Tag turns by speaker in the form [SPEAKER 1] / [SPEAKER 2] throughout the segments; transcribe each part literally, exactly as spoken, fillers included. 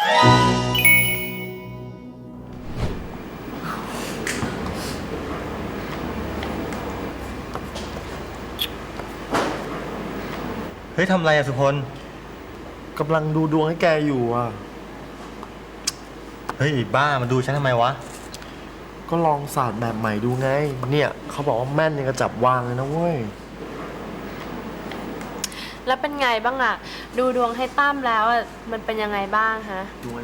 [SPEAKER 1] เฮ้ยทำไรอะสุพล
[SPEAKER 2] กำลังดูดวงให้แกอยู่อ่ะ
[SPEAKER 1] เฮ้ยบ้ามาดูฉันทำไมวะ
[SPEAKER 2] ก็ลองศาสตร์แบบใหม่ดูไงเนี่ยเขาบอกว่าแม่นยังกระจับวางเลยนะเว้ย
[SPEAKER 3] แล้วเป็นไงบ้างอะดูดวงให้ตั้มแล้วอะมันเป็นยังไงบ้างฮะ
[SPEAKER 2] ดวง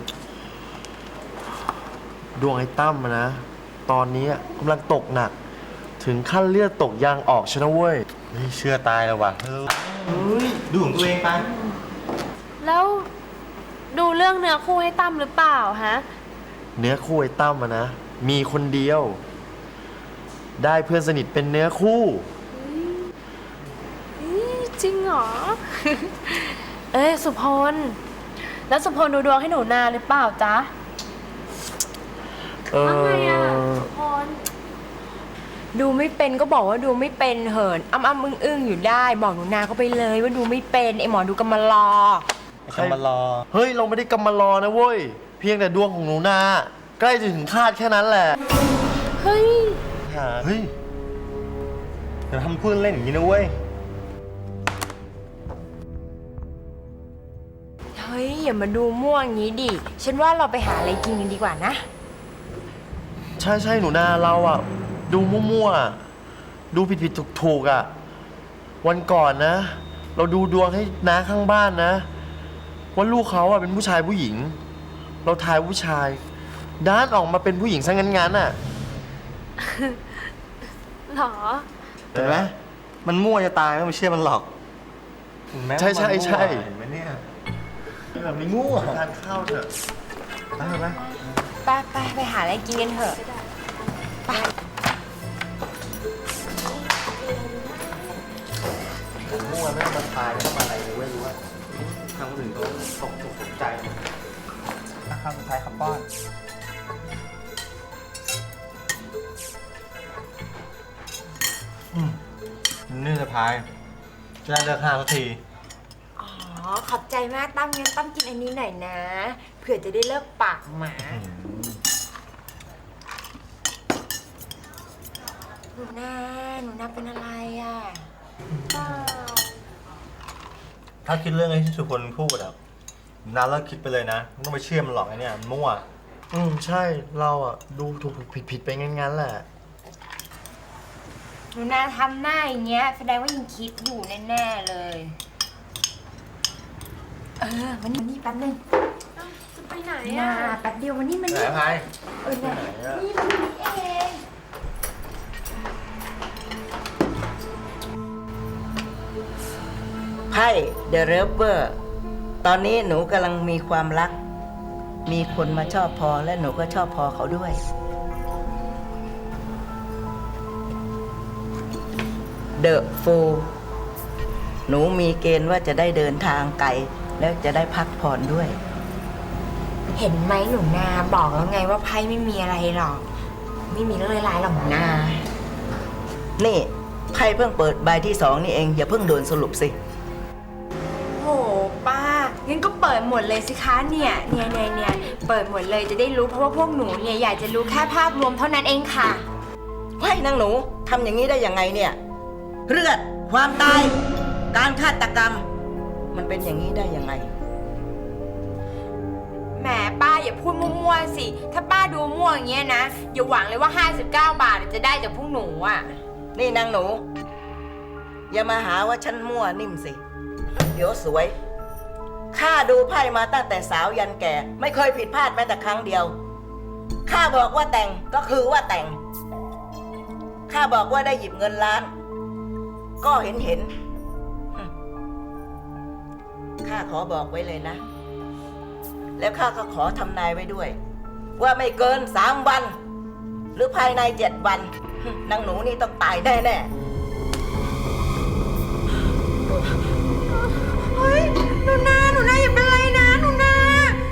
[SPEAKER 2] ดวงไอ้ตั้มนะตอนนี้กำลังตกหนักถึงขั้นเลือดตกยางออกชนะเว้ย
[SPEAKER 1] เฮ้ยเชื่อตายแล้ววะเฮ้ยดูของตัวเองไป
[SPEAKER 3] แล้วดูเรื่องเนื้อคู่ให้ตั้มหรือเปล่าฮะ
[SPEAKER 2] เนื้อคู่ไอ้ตั้มนะ มีคนเดียว ได้เพื่อนสนิทเป็นเนื้อคู่
[SPEAKER 3] จริงเหรอ เอ้ยสุพลแล้วสุพลดูดวงให้หนูนาหรือเปล่าจ๊ะ
[SPEAKER 2] เออไงอะ
[SPEAKER 3] สุพล
[SPEAKER 4] ดูไม่เป็นก็บอกว่าดูไม่เป็นเหินอ้ำอ้ำอึ้งอึ้งอยู่ได้บอกหนูนาเขาไปเลยว่าดูไม่เป็นไอหมอดูกำมารอ
[SPEAKER 1] ไอ้กำมารอ
[SPEAKER 2] เฮ้ยเราไม่ได้กำมารอนะเว้ยเพียงแต่ดวงของหนูนาใกล้จะถึงคาดแค่นั้นแหละ
[SPEAKER 3] เฮ้ย
[SPEAKER 1] เฮ้ยอย่าทำพูดเล่นอย่างนี้นะเว้ย
[SPEAKER 4] เฮ้ยอย่ามาดูม่วงอย่างนี้ดิฉันว่าเราไปหาอะไรกินกันดีกว่านะ
[SPEAKER 2] ใช่ใช่หนูนาเราอ่ะดูมั่วๆดูผิดผิดถูกถูกอ่ะวันก่อนนะเราดูดวงให้น้าข้างบ้านนะว่าลูกเขาอ่ะเป็นผู้ชายผู้หญิงเราทายผู้ชายด้านออกมาเป็นผู้หญิงซะงั้นๆอ่ะ
[SPEAKER 3] หรอ
[SPEAKER 1] เห็นไหมมันมั่วจะตายไม่เชื่อมันหรอก
[SPEAKER 2] ใช่ใช่ใช่
[SPEAKER 1] เห็นไหมเนี่ยแบบนี้มั่ว
[SPEAKER 2] ทานข้าวเถอะไปไหม
[SPEAKER 4] ไปไปไปหาอะไรกินกันเถอะไป
[SPEAKER 2] มั่วไม่มาทายไม่มาอะไรเลยเว้ยรู้ว่าทางคนอื่นเขาตกตกใจ
[SPEAKER 1] คำสุดท้ายคำป้อนอืมนี่สะพายจะได้เลิกห้าสักที
[SPEAKER 4] อ๋อขอบใจมากตั้มงั้นตั้มกินอันนี้หน่อยนะเผื่อจะได้เลิกปากหมาหนูนาหนูนาเป็นอะไรอ่ะ
[SPEAKER 1] ถ้าคิดเรื่องไอ้ที่สุพลพูดอะน้าเลิกคิดไปเลยนะไม่ต้องไปเชื่อมันหรอกไอ้เนี่ยมั่ว
[SPEAKER 2] อืมใช่เราอ่ะดูถูกผิดผิดไปงั้นๆแหละ
[SPEAKER 4] หนูนาทำหน้าอย่างเงี้ยแสดงว่ายังคิดอยู่แน่ๆเลยเออวันนี้วันนี้แป๊บนึง
[SPEAKER 3] จะไปไหน
[SPEAKER 4] อ่ะ
[SPEAKER 3] อะ
[SPEAKER 4] แป๊บเดียววันนี้มัน
[SPEAKER 1] นี่ไหนพาย
[SPEAKER 4] เออเนี่ยนี่มันนี่เอง
[SPEAKER 5] ไพ่เดอะเรเวอร์ตอนนี้หนูกำลังมีความรักมีคนมาชอบพอและหนูก็ชอบพอเขาด้วยเดอะฟูลหนูมีเกณฑ์ว่าจะได้เดินทางไกลแล้วจะได้พักผ่อนด้วย
[SPEAKER 4] เห็นไหมหนูนาบอกแล้วไงว่าไพ่ไม่มีอะไรหรอกไม่มีเรื่องร้ายๆหรอกหนูนา
[SPEAKER 5] นี่ไพ่เพิ่งเปิดใบที่สองนี่เองอย่าเพิ่งโดนสรุปสิ
[SPEAKER 4] โหป้างั้นก็เปิดหมดเลยสิคะเนี่ยเนี่ยเนี่ยเนี่ยเปิดหมดเลยจะได้รู้เพราะว่าพวกหนูเนี่ยอยากจะรู้แค่ภาพรวมเท่านั้นเองค่ะ
[SPEAKER 5] เฮ้ยนางหนูทำอย่างนี้ได้ยังไงเนี่ยเลือดความตายการฆาตกรรมมันเป็นอย่างนี้ได้ยังไง
[SPEAKER 4] แหมป้าอย่าพูดมั่วๆสิถ้าป้าดูมั่วอย่างเงี้ยนะอย่าหวังเลยว่าห้าสิบเก้าบาทจะได้จากพวกหนูอ่ะ
[SPEAKER 5] นี่นางหนูอย่ามาหาว่าฉันมั่วนิ่มสิเดี๋ยวสวยข้าดูไพ่มาตั้งแต่สาวยันแก่ไม่เคยผิดพลาดแม้แต่ครั้งเดียวข้าบอกว่าแต่งก็คือว่าแต่งข้าบอกว่าได้หยิบเงินล้านก็เห็นเห็นข้าขอบอกไว้เลยนะแล้วข้าก็ขอทำนายไว้ด้วยว่าไม่เกินสามวันหรือภายในเจ็ดวันนางหนูนี่ต้องตายแน่แน่
[SPEAKER 4] เฮ้ยหนูนาหนูนาอย่าเป็นไร